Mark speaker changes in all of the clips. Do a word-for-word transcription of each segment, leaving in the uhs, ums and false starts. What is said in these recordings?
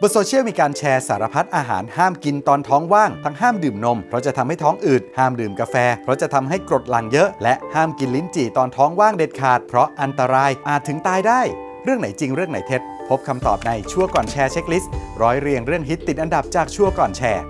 Speaker 1: บนโซเชียลมีการแชร์สารพัดอาหารห้ามกินตอนท้องว่างทั้งห้ามดื่มนมเพราะจะทำให้ท้องอืดห้ามดื่มกาแฟเพราะจะทำให้กรดหลั่งเยอะและห้ามกินลิ้นจี่ตอนท้องว่างเด็ดขาดเพราะอันตรายอาจถึงตายได้เรื่องไหนจริงเรื่องไหนเท็จพบคำตอบในชั่วก่อนแชร์เช็คลิสต์ร้อยเรียงเรื่องฮิตติดอันดับจากชั่วก่อนแชร์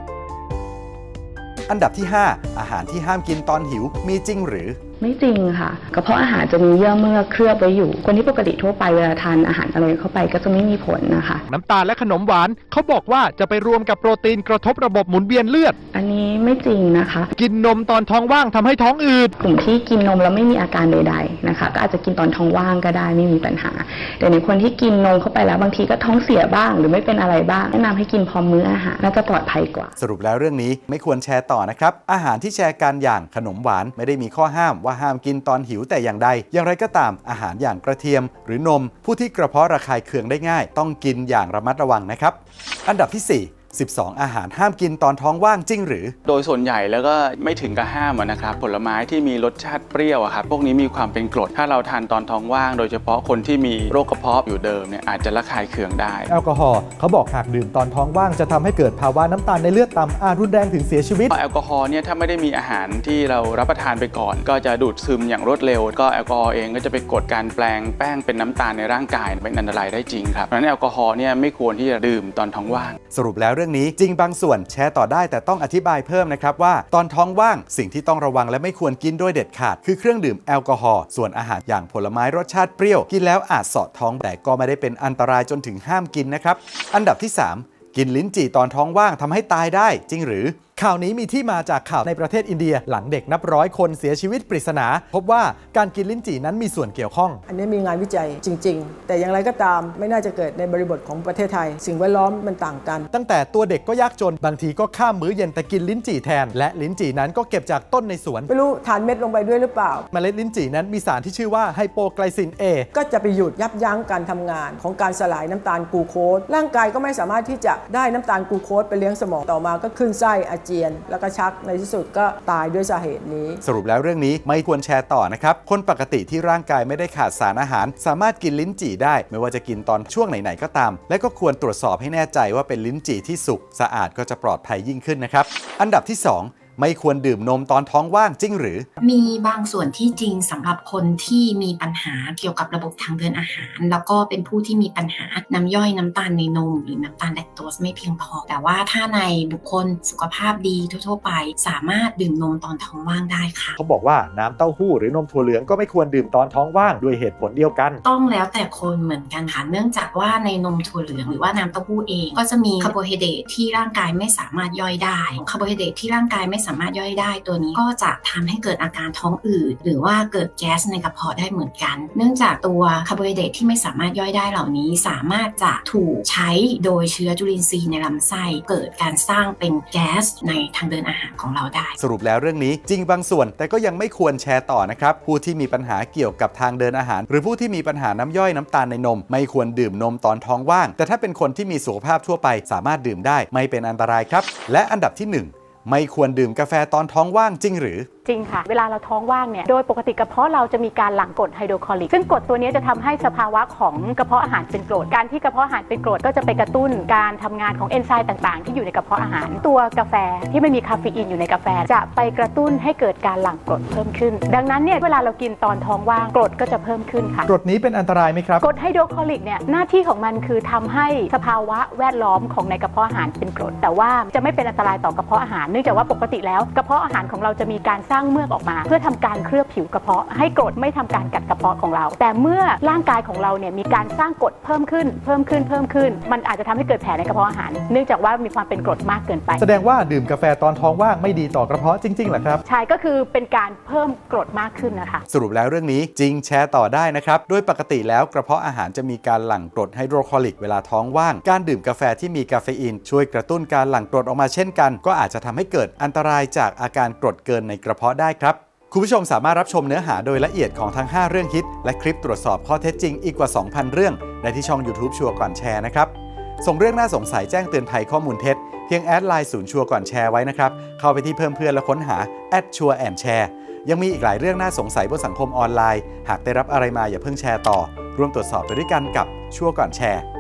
Speaker 1: อันดับที่ห้าอาหารที่ห้ามกินตอนหิวมีจริงหรือ
Speaker 2: ไม่จริงค่ะกระเพาะอาหารจะมีเยื่อเมือกเคลือบไว้อยู่คนที่ปกติทั่วไปเวลาทานอาหารอะไรเข้าไปก็จะไม่มีผลนะคะ
Speaker 3: น้ำตาลและขนมหวานเขาบอกว่าจะไปรวมกับโปรตีนกระทบระบบหมุนเวียนเลือด
Speaker 2: อันนี้ไม่จริงนะคะ
Speaker 3: กินนมตอนท้องว่างทำให้ท้องอืด
Speaker 2: กลุ่มที่กินนมแล้วไม่มีอาการใดๆนะคะก็อาจจะกินตอนท้องว่างก็ได้ไม่มีปัญหาแต่ในคนที่กินนมเข้าไปแล้วบางทีก็ท้องเสียบ้างหรือไม่เป็นอะไรบ้างแนะนำให้กินพร้อมมื้ออาหารน่าจะปลอดภัยกว่า
Speaker 1: สรุปแล้วเรื่องนี้ไม่ควรแชร์ต่อนะครับอาหารที่แชร์กันอย่างขนมหวานไม่ได้มีข้อห้ามว่าห้ามกินตอนหิวแต่อย่างใดอย่างไรก็ตามอาหารอย่างกระเทียมหรือนมผู้ที่กระเพาะระคายเคืองได้ง่ายต้องกินอย่างระมัดระวังนะครับอันดับที่สี่สิบสองอาหารห้ามกินตอนท้องว่างจริงหรือ
Speaker 4: โดยส่วนใหญ่แล้วก็ไม่ถึงกับห้ามนะครับผลไม้ที่มีรสชาติเปรี้ยวครับพวกนี้มีความเป็นกรดถ้าเราทานตอนท้องว่างโดยเฉพาะคนที่มีโรคกระเพาะอยู่เดิมเนี่ยอาจจะระคายเคืองได้
Speaker 5: แอลกอฮอล์เขาบอกหากดื่มตอนท้องว่างจะทำให้เกิดภาวะน้ำตาลในเลือดต่ำอาจรุนแรงถึงเสียชีวิต
Speaker 4: แอลกอฮอล์เนี่ยถ้าไม่ได้มีอาหารที่เรารับประทานไปก่อนก็จะดูดซึมอย่างรวดเร็วก็แอลกอฮอล์เองก็จะไปกดการแปลงแป้งเป็นน้ำตาลในร่างกายเป็นอันตรายได้จริงครับเพราะฉะนั้นแอลกอฮอล์เนี่ยไม่ควรที่จะดื่มตอนท้องว่าง
Speaker 1: สรุปแล้วเรื่องนี้จริงบางส่วนแชร์ต่อได้แต่ต้องอธิบายเพิ่มนะครับว่าตอนท้องว่างสิ่งที่ต้องระวังและไม่ควรกินโดยเด็ดขาดคือเครื่องดื่มแอลกอฮอล์ส่วนอาหารอย่างผลไม้รสชาติเปรี้ยวกินแล้วอาจเสาะท้องแต่ก็ไม่ได้เป็นอันตรายจนถึงห้ามกินนะครับอันดับที่สามกินลิ้นจี่ตอนท้องว่างทำให้ตายได้จริงหรือ
Speaker 5: ข่าวนี้มีที่มาจากข่าวในประเทศอินเดียหลังเด็กนับร้อยคนเสียชีวิตปริศนาพบว่าการกินลิ้นจี่นั้นมีส่วนเกี่ยวข้อง
Speaker 6: อันนี้มีงานวิจัยจริงๆแต่อย่างไรก็ตามไม่น่าจะเกิดในบริบทของประเทศไทยสิ่งแวดล้อมมันต่างกัน
Speaker 5: ตั้งแต่ตัวเด็กก็ยากจนบางทีก็ข้ามมื้อเย็นแต่กินลิ้นจี่แทนและลิ้นจี่นั้นก็เก็บจากต้นในสวน
Speaker 6: ไม่รู้ทานเม็ดลงไปด้วยหรือเปล่า
Speaker 5: เมล็ดลิ้นจี่นั้นมีสารที่ชื่อว่าไฮโปไกลซิน A
Speaker 6: ก็จะไปหยุดยับยั้งการทำงานของการสลายน้ำตาลกลูโคสร่างกายก็ไม่สามารถที่จะได้น้ำตาลกลูโคสไปเลี้ยงสมองต่อมาก็ขึ้นไส้อาเจียนแล้วก็ชักในที่สุดก็ตายด้วยสาเหตุนี้
Speaker 1: สรุปแล้วเรื่องนี้ไม่ควรแชร์ต่อนะครับคนปกติที่ร่างกายไม่ได้ขาดสารอาหารสามารถกินลิ้นจี่ได้ไม่ว่าจะกินตอนช่วงไหนๆก็ตามและก็ควรตรวจสอบให้แน่ใจว่าเป็นลิ้นจี่ที่สุกสะอาดก็จะปลอดภัยยิ่งขึ้นนะครับอันดับที่สองไม่ควรดื่มนมตอนท้องว่างจริงหรือ
Speaker 7: มีบางส่วนที่จริงสำหรับคนที่มีปัญหาเกี่ยวกับระบบทางเดินอาหารแล้วก็เป็นผู้ที่มีปัญหาน้ำย่อยน้ำตาลในนมหรือน้ำตาลแลคโตสไม่เพียงพอแต่ว่าถ้าในบุคคลสุขภาพดีทั่วๆไปสามารถดื่มนมตอนท้องว่างได้ค่ะ
Speaker 5: เขาบอกว่าน้ำเต้าหู้หรือนมถั่วเหลืองก็ไม่ควรดื่มตอนท้องว่างด้วยเหตุผลเดียวกัน
Speaker 7: ต้องแล้วแต่คนเหมือนกันค่ะเนื่องจากว่าในนมถั่วเหลืองหรือว่าน้ำเต้าหู้เองก็จะมีคาร์โบไฮเดรตที่ร่างกายไม่สามารถย่อยได้คาร์โบไฮเดรตที่ร่างกายไม่สามารถย่อยได้ตัวนี้ก็จะทำให้เกิดอาการท้องอืดหรือว่าเกิดแก๊สในกระเพาะได้เหมือนกันเนื่องจากตัวคาร์โบไฮเดรตที่ไม่สามารถย่อยได้เหล่านี้สามารถจะถูกใช้โดยเชื้อจุลินทรีย์ในลำไส้เกิดการสร้างเป็นแก๊สในทางเดินอาหารของเราได้
Speaker 1: สรุปแล้วเรื่องนี้จริงบางส่วนแต่ก็ยังไม่ควรแชร์ต่อนะครับผู้ที่มีปัญหาเกี่ยวกับทางเดินอาหารหรือผู้ที่มีปัญหาน้ำย่อยน้ำตาลในนมไม่ควรดื่มนมตอนท้องว่างแต่ถ้าเป็นคนที่มีสุขภาพทั่วไปสามารถดื่มได้ไม่เป็นอันตรายครับและอันดับที่หนึ่งไม่ควรดื่มกาแฟตอนท้องว่างจริงหรือ
Speaker 8: จริงค่ะเวลาเราท้องว่างเนี่ยโดยปกติกระเพาะเราจะมีการหลั่งกรดไฮโดรคลอริกซึ่งกรดตัวนี้จะทำให้สภาวะของกระเพาะอาหารเป็นกรดการที่กระเพาะอาหารเป็นกรดก็จะไปกระตุ้นการทำงานของเอนไซม์ต่างๆที่อยู่ในกระเพาะอาหารตัวกาแฟที่ไม่มีคาเฟอีนอยู่ในกาแฟจะไปกระตุ้นให้เกิดการหลั่งกรดเพิ่มขึ้นดังนั้นเนี่ยเวลาเรากินตอนท้องว่างกรดก็จะเพิ่มขึ้นค่ะ
Speaker 5: กรดนี้เป็นอันตรายไหมครับ
Speaker 8: กรดไฮโดรคลอริกเนี่ยหน้าที่ของมันคือทำให้สภาวะแวดล้อมของในกระเพาะอาหารเป็นกรดแต่ว่าจะไม่เป็นอันตรายต่อกระเพาะอาหารเนื่องจากว่าปกติแล้วกระเพาะอาหารของเราจะมีการสร้างเมือกออกมาเพื่อทำการเคลือบผิวกระเพาะให้กรดไม่ทำการกัดกระเพาะของเราแต่เมื่อร่างกายของเราเนี่ยมีการสร้างกรดเพิ่มขึ้นเพิ่มขึ้นเพิ่มขึ้นมันอาจจะทำให้เกิดแผลในกระเพาะอาหารเนื่องจากว่ามีความเป็นกรดมากเกินไป
Speaker 5: แสดงว่าดื่มกาแฟตอนท้องว่างไม่ดีต่อกระเพาะจริงๆเหรอครับ
Speaker 8: ใช่ก็คือเป็นการเพิ่มกรดมากขึ้นนะคะ
Speaker 1: สรุปแล้วเรื่องนี้จริงแชร์ต่อได้นะครับโดยปกติแล้วกระเพาะอาหารจะมีการหลั่งกรดไฮโดรคลอริกเวลาท้องว่างการดื่มกาแฟที่มีคาเฟอีนช่วยกระตุ้นการหลั่งกรดออกมาเช่นกันก็อาจจะทำให้เกิดอันตรายจากอาการกรดเกินในกระเพาะได้ครับคุณผู้ชมสามารถรับชมเนื้อหาโดยละเอียดของทั้งห้าเรื่องฮิตและคลิปตรวจสอบข้อเท็จจริงอีกกว่า สองพัน เรื่องได้ที่ช่อง YouTube ชัวร์ก่อนแชร์นะครับส่งเรื่องน่าสงสัยแจ้งเตือนภัยข้อมูลเท็จเพียงแอดไลน์ศูนย์ชัวร์ก่อนแชร์ไว้นะครับเข้าไปที่เพิ่มเพื่อนและค้นหาแอดชัวร์แอนด์แชร์ยังมีอีกหลายเรื่องน่าสงสัยบนสังคมออนไลน์หากได้รับอะไรมาอย่าเพิ่งแชร์ต่อร่วมตรวจสอบไปด้วยกันกับชัวร์ก่อนแชร์